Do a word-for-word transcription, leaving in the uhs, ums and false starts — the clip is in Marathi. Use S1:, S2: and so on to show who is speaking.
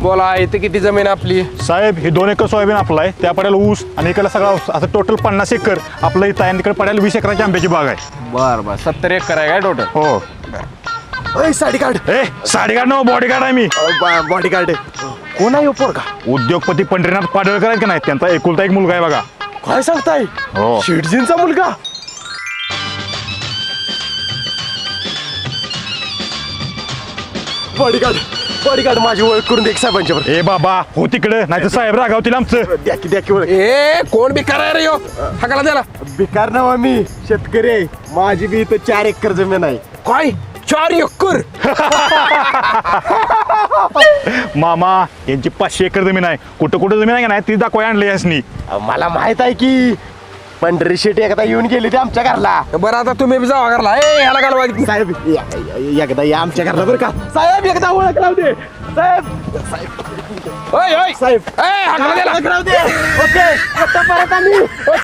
S1: बोला इथे किती जमीन आपली?
S2: साहेब हे दोन एकर सोयाबीन आपलं आहे, त्या पड्याला ऊस आणि इकडे सगळा ऊस. असं टोटल पन्नास एकर आपलं इथं आहे आणि तिकडे पड्याला वीस एकराची आंब्याची बाग आहे.
S1: बर बर सत्तर एकर आहे काय टोटल?
S2: हो.
S3: साडी कार्ड
S2: ए साडेगार्ड ना बॉडी गार्ड आहे मी.
S3: बॉडी कार्ड कोण आहे पोरगा?
S2: उद्योगपती पंढरीनाथ पाडळकर आहेत का नाही, त्यांचा एकुलता एक मुलगा आहे बघा.
S3: काय सांगताय?
S2: हो.
S3: शेटजींचा मुलगा? बॉडीगार्ड बॉडीगार्ड माझी ओळख करून दे साहेबांच्यावर.
S2: ए बाबा हो तिकडे नाही तर साहेब रागावतील आमचं.
S3: द्या की द्या की ओळख.
S1: ए कोण बिकार आहे रे यो? हाकाला द्याला
S3: बेकार नाव मी शेतकरी आहे. माझी बी इथं चार एकर जमीन आहे.
S1: काय चार एकर?
S2: मामा यांची पाचशे एकर जमीन आहे. कुठं कुठं जमीन आहे का नाही ती दाखवाय आणली यासनी.
S3: अहो, मला माहित आहे की पंढरी शेट एकदा येऊन गेली ते आमच्या घरला.
S1: बरं आता तुम्ही बी जावा घरला. ए ह्याला घालवा की.
S3: साहेब या- या- एकदा या आमच्या घरला बरं का. साहेब एकदा ओळख लावू दे. साहेब साहेब
S1: ओय ओय
S3: साहेब
S1: ए हाकाला द्याला.
S3: ओळख लावू दे. ओके आता परत आम्ही.